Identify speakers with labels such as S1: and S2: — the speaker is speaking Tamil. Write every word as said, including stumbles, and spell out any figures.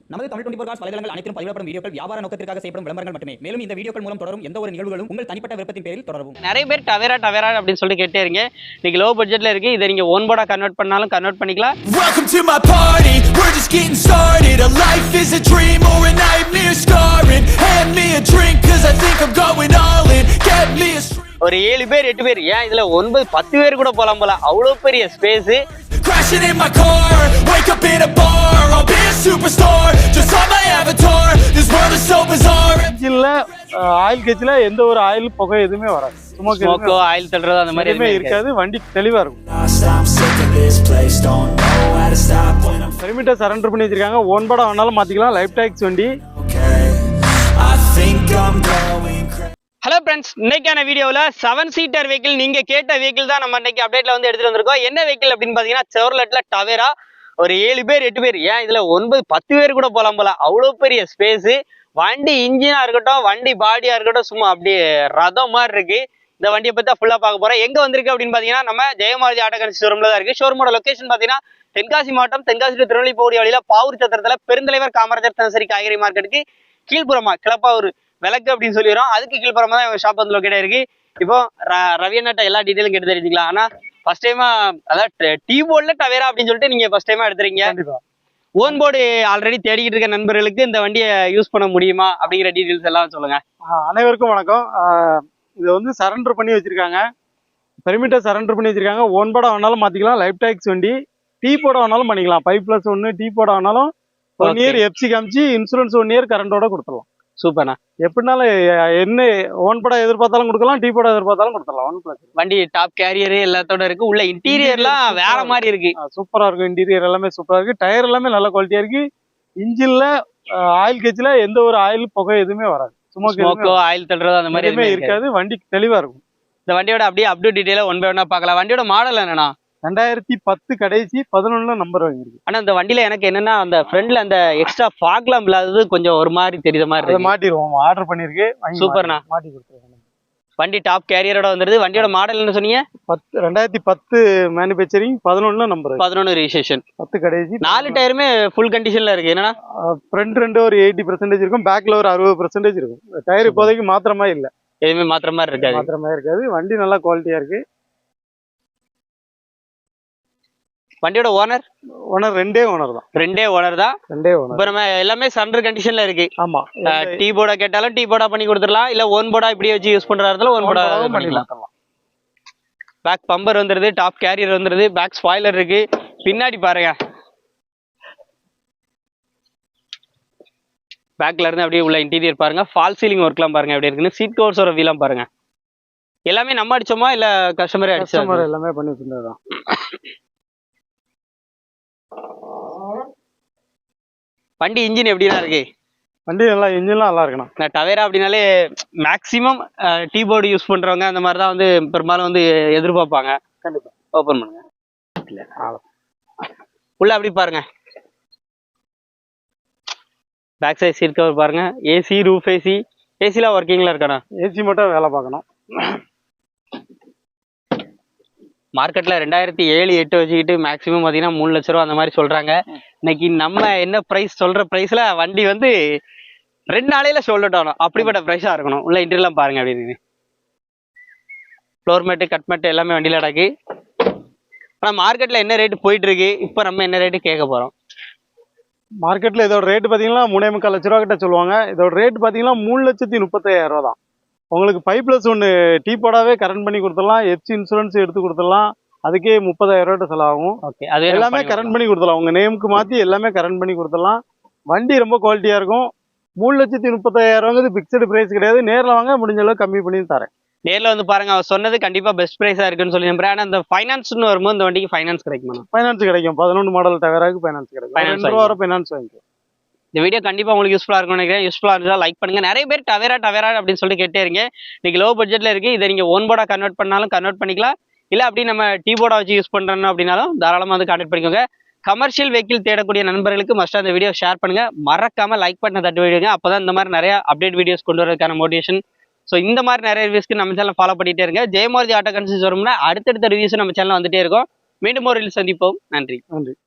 S1: நமது தமிழ் டுவெண்டி ஃபோர் காஸ் வலைதளங்கள் அனைத்தும் பதிவிடப்படும் வீடியோக்கள் வியாபார நோக்கத்திற்காக செய்யப்படும் விளம்பரங்கள் மட்டுமே. மேலும் இந்த வீடியோக்கள் மூலம் தொடரும் எந்த ஒரு நிகழ்வுகளும் உங்கள் தனிப்பட்ட விருப்பத்தின் பேரில் தொடரவும்.
S2: நிறைய பேர் டவேரா டவேரா அப்படின்னு சொல்லி கேட்டே இருங்க. இன்னைக்கு லோ பட்ஜெட்ல இருக்கு. இதை நீங்க ஓன் போர்டா கன்வெர்ட் பண்ணாலும் கன்வெர்ட் பண்ணிக்கலாம்.
S3: Welcome to my party. We're just getting started. A life is a dream or a nightmare scarring. Hand me a drink cause I think I'm going all in. Get me a stream.
S2: ஒரு ஏழு பேர் எட்டு பேர் ஏன் இதுல ஒன்பது பத்து பேர் கூட போலாம் போல. அவ்வளவு பெரிய space.
S3: Crashing in my car, wake up in a bar. I'll be a superstar, just on my avatar. This world is so bizarre.
S4: இன்ஜின்ல ஆயில் கேஜ்ல எந்த ஒரு ஆயில் புகை எதுவுமே வராது.
S2: ஸ்மோக் ஆயில் தள்ளுறது அந்த மாதிரி
S4: எதுவுமே இருக்காது. வண்டி தெளிவா இருக்கும். பெர்மிட்டை சரண்டர் பண்ணி வச்சிருக்காங்க. ஓன் போர்டா வேணாலும் மாத்திக்கலாம். லைஃப் டாக்ஸ் வண்டி.
S2: ஹலோ ஃப்ரெண்ட்ஸ், இன்னைக்கான வீடியோவில் செவன் சீட்டர் வெஹிக்கிள் நீங்க கேட்ட வெஹிக்கிள் தான் நம்ம இன்னைக்கு அப்டேட்ல வந்து எடுத்துட்டு வந்திருக்கோம். என்ன வெஹிக்கிள் அப்படின்னு பாத்தீங்கன்னா செவர்லெட்ல டவேரா. ஒரு ஏழு பேர் எட்டு பேர் ஏன் இதுல ஒன்பது பத்து பேர் கூட போலாம் போல. அவ்வளவு பெரிய ஸ்பேஸ். வண்டி இன்ஜினா இருக்கட்டும், வண்டி பாடியா இருக்கட்டும், சும்மா அப்படியே ரதம் மாதிரி இருக்கு. இந்த வண்டியை பத்தி தான் ஃபுல்லா பார்க்க போறோம். எங்க வந்திருக்கு அப்படின்னு பாத்தீங்கன்னா நம்ம ஜெயமாரதி ஆட்டோகன்சி ஷோரூம்ல தான் இருக்கு. ஷோரூமோட லொகேஷன் பாத்தீங்கன்னா தென்காசி மாவட்டம் தென்காசி டு திருநெல்வேலி போகிற வழியில பாவூர் சத்திரத்துல பெருந்தலைவர் காமராஜர் தினசரி காய்கறி மார்க்கெட்டுக்கு கீழ்புறமா கிளப்பாவூர் விளக்கு அப்படின்னு சொல்லிடுறோம். அதுக்கு கீழ்புறமா தான் ஷாப் வந்து லொக்கேட் இருக்கு. இப்போ ரவி அண்ணாட்ட எல்லா டீட்டெயிலும் கேட்டு தெரிஞ்சுக்கலாம். ஆனா ஃபர்ஸ்ட் டைமா அதாவது டீ போர்ட்ல டவேரா அப்படின்னு சொல்லிட்டு நீங்க ஃபர்ஸ்ட் டைமா எடுத்துறீங்க. ஓன் போர்டு ஆல்ரெடி தேடிக்கிட்டு இருக்க நண்பர்களுக்கு இந்த வண்டியை யூஸ் பண்ண முடியுமா அப்படிங்கிற டீட்டெயில்ஸ் எல்லாம் சொல்லுங்க.
S4: அனைவருக்கும் வணக்கம். இதை வந்து சரண்டர் பண்ணி வச்சிருக்காங்க. பெர்மிட்டர் சரண்டர் பண்ணி வச்சிருக்காங்க. ஓன் போர்டா வேணாலும் மாத்திக்கலாம். லைஃப் டாக்ஸ் வண்டி. டீ போர்டா வேணாலும் பண்ணிக்கலாம். ஃபைவ் பிளஸ் ஒன்னு டீ போர்டா வேணாலும் ஒன் இயர் எஃப்சி காமிச்சு இன்சூரன்ஸ் ஒன் இயர் கரண்டோட கொடுத்துடலாம்.
S2: சூப்பர்ண்ணா.
S4: எப்படினாலும் என்ன ஓன் போர்டா எதிர்பார்த்தாலும் கொடுக்கலாம், டீ போர்டா எதிர்பார்த்தாலும் கொடுத்துடலாம். ஒன் பிளஸ்
S2: வண்டி டாப் கேரியர் எல்லாத்தோட இருக்கு. உள்ள இன்டீரியர்லாம் வேற மாதிரி இருக்கு.
S4: சூப்பரா இருக்கும். இன்டீரியர் எல்லாமே சூப்பரா இருக்கு. டயர் எல்லாமே நல்ல குவாலிட்டியா இருக்கு. இன்ஜின்ல ஆயில் கேஜ்ல எந்த ஒரு ஆயில் புகை எதுவுமே வராது.
S2: ஸ்மோக்கோ ஆயில் தள்ளுறது அந்த மாதிரி
S4: எதுவுமே இருக்காது. வண்டி தெளிவா இருக்கும்.
S2: இந்த வண்டியோட அப்படியே அப்டேட் டீடைலா ஒன் பை ஒன்னா பார்க்கலாம். வண்டியோட மாடல் என்னன்னா
S4: ரெண்டாயிரத்தி பத்து கடைசி பதினொன்னுல நம்பர் வாங்கிருக்கு.
S2: ஆனா இந்த வண்டியில எனக்கு என்னன்னா அந்த ஃப்ரண்ட்ல அந்த எக்ஸ்ட்ரா ஃபாக்லாம் இல்லாதது கொஞ்சம் ஒரு மாதிரி தெரியுற மாதிரி இருக்கு.
S4: மாட்டிடுவோம். ஆர்டர் பண்ணிருக்கு.
S2: சூப்பர்ண்ணா.
S4: மாட்டி கொடுத்துருக்கேன்.
S2: வண்டி டாப் கேரியரோட வந்துருது. வண்டியோட மாடல் என்ன சொன்னீங்க?
S4: பத்து ரெண்டாயிரத்தி பத்து மேனுபேக்சரிங் பதினொன்னுல நம்பர்
S2: பதினொன்னு ரிஜிஸ்ட்ரேஷன்
S4: பத்து கடைசி.
S2: நாலு டயருமே ஃபுல் கண்டிஷன்ல இருக்கு. என்னன்னா
S4: ஃப்ரண்ட் ரெண்டு ஒரு எயிட்டி பர்சன்டேஜ் இருக்கும். பேக்ல ஒரு அறுபது பர்சன்டேஜ் இருக்கும். டயர் இப்போதைக்கு மாத்திரமா இல்ல.
S2: எதுவுமே மாத்திர மாதிரி இருக்காது.
S4: மாத்திரமா இருக்காது. வண்டி நல்லா குவாலிட்டியா இருக்கு.
S2: வண்டியோட ஓனர்
S4: ஓனர் ரெண்டே ஓனர் தான்.
S2: ரெண்டே ஓனர் தான்.
S4: ரெண்டே ஓனர்.
S2: இப்போ நம்ம எல்லாமே சண்டர் கண்டிஷன்ல இருக்கு.
S4: ஆமா.
S2: டீ போர்டா கேட்டாலும் டீ போர்டா பண்ணி கொடுத்துடலாம். இல்ல ஓன் போர்டா இப்படி வச்சு யூஸ் பண்றதுல ஓன் போர்டா பண்ணிக்கலாம். பேக் பம்பர் வந்துருது. டாப் கேரியர் வந்துருது. பேக் ஸ்பாய்லர் இருக்கு. பின்னாடி பாருங்க. பேக்ல இருந்து அப்படியே உள்ள இன்டீரியர் பாருங்க. ஃபால் சீலிங் ஒர்க்லாம் பாருங்க எப்படி இருக்குன்னு. சீட் கவர்ஸோட வீலாம் பாருங்க. எல்லாமே நம்ம அடிச்சோமா இல்ல கஸ்டமரே அடிச்சா?
S4: கஸ்டமர் எல்லாமே பண்ணி வச்சிருந்ததுதான்.
S2: வண்டி இன்ஜின் எப்படின்னா இருக்கு?
S4: வண்டி நல்லா இன்ஜின்லாம் நல்லா இருக்குண்ணா.
S2: நான் டவேரா அப்படின்னாலே மேக்ஸிமம் டீ போர்டு யூஸ் பண்றவங்க அந்த மாதிரி தான் வந்து பெரும்பாலும் வந்து எதிர்பார்ப்பாங்க.
S4: கண்டிப்பா.
S2: ஓப்பன் பண்ணுங்க. உள்ள அப்படி பாருங்க. பேக் சைட் சீட் கவர் பாருங்க. ஏசி ரூஃப் ஏசி ஏசிலாம் ஒர்க்கிங்ல இருக்காண்ணா?
S4: ஏசி மட்டும் வேலை பார்க்கணும்.
S2: மார்க்கெட்ல ரெண்டாயிரத்தி ஏழு எட்டு வச்சுக்கிட்டு மேக்ஸிமம் பாத்தீங்கன்னா மூணு லட்ச ரூபா அந்த மாதிரி சொல்றாங்க. இன்னைக்கு நம்ம என்ன பிரைஸ் சொல்ற பிரைஸ்ல வண்டி வந்து ரெண்டு நாளையில சோல்ட் ஆகணும். அப்படிப்பட்ட பிரைஸா இருக்கணும். உள்ள இன்டர்லாம் பாருங்க. அப்படின்னு ஃப்ளோர் மேட்டு கட் மேட்டு எல்லாமே வண்டியில அடக்கு. ஆனா மார்க்கெட்ல என்ன ரேட்டு போயிட்டு இருக்கு, இப்போ நம்ம என்ன ரேட்டு கேட்க போறோம்?
S4: மார்க்கெட்ல இதோட ரேட்டு பாத்தீங்கன்னா மூணே முக்கால் லட்ச ரூபா கிட்ட சொல்லுவாங்க. இதோட ரேட் பாத்தீங்கன்னா மூணு லட்சத்தி முப்பத்தாயிரம் ரூபா தான். உங்களுக்கு ஃபைவ் பிளஸ் ஒன்று டீ போடாவே கரண்ட் பண்ணி கொடுத்துடலாம். எஃப்சி இன்சூரன்ஸ் எடுத்து கொடுத்துடலாம். அதுக்கே முப்பதாயிரம் ரூபாய் செலவாகும்.
S2: ஓகே, அது
S4: எல்லாமே கரண்ட் பண்ணி கொடுத்துடலாம். உங்க நேமுக்கு மாத்தி எல்லாமே கரண்ட் பண்ணி கொடுத்துடலாம். வண்டி ரொம்ப குவாலிட்டியா இருக்கும். மூணு லட்சத்தி முப்பத்தாயிரம் ரூபாங்கிறது பிக்சடு பிரைஸ் கிடையாது. நேரில் வாங்க, முடிஞ்ச அளவுக்கு கம்மி பண்ணி தரேன்.
S2: நேரில் வந்து பாருங்க. அவர் சொன்னது கண்டிப்பா பெஸ்ட் பிரைஸா இருக்குன்னு சொல்லி நம்புறேன். ஆனா இந்த ஃபைனான்ஸ்னு வரும்போது இந்த வண்டிக்கு ஃபைனான்ஸ் கிடைக்குமா?
S4: ஃபைனான்ஸ் கிடைக்கும். பதினொன்று மாடல் டவேராக்கு ஃபைனான்ஸ் கிடைக்கும். ரெண்டு ரூபா வரை ஃபைனான்ஸ் வாங்கிக்கும்.
S2: இந்த வீடியோ கண்டிப்பா உங்களுக்கு யூஸ்ஃபுல்லா இருக்கும்னு நினைக்கிறேன். யூஸ்ஃபுல்லா இருந்தா லைக் பண்ணுங்க. நிறைய பேர் டவேரா டவேரா அப்படின்னு சொல்லி கேட்டே இருங்க. இன்னைக்கு லோ பட்ஜெட்ல இருக்கு. இதை நீங்க ஓன் போர்டா கன்வெர்ட் பண்ணாலும் கன்வெர்ட் பண்ணிக்கலாம். இல்ல அப்படி நம்ம டீ போர்டா வச்சு யூஸ் பண்றோம் அப்படின்னாலும் தாராளமா வந்து கான்டெக்ட் பண்ணிக்கோங்க. கமர்ஷியல் வெஹிக்கிள் தேடக்கூடிய நண்பர்களுக்கு மஸ்டா இந்த வீடியோ ஷேர் பண்ணுங்க. மறக்காம லைக் பண்ண தட்டு விடுங்க. அப்பதான் இந்த மாதிரி நிறைய அப்டேட் வீடியோஸ் கொண்டு வரதுக்கான மோட்டிவேஷன். ஸோ இந்த மாதிரி நிறைய ரிவ்யூஸ்க்கு நம்ம சேனல் ஃபாலோ பண்ணிட்டே இருங்க. ஜெயமாரதி ஆட்டோகன்சி ஷோரூம்ல அடுத்தடுத்த ரிவ்யூஸ் நம்ம சேனல் வந்துட்டே இருக்கும். மீண்டும் ஒரு சந்திப்போம். நன்றி.
S4: நன்றி.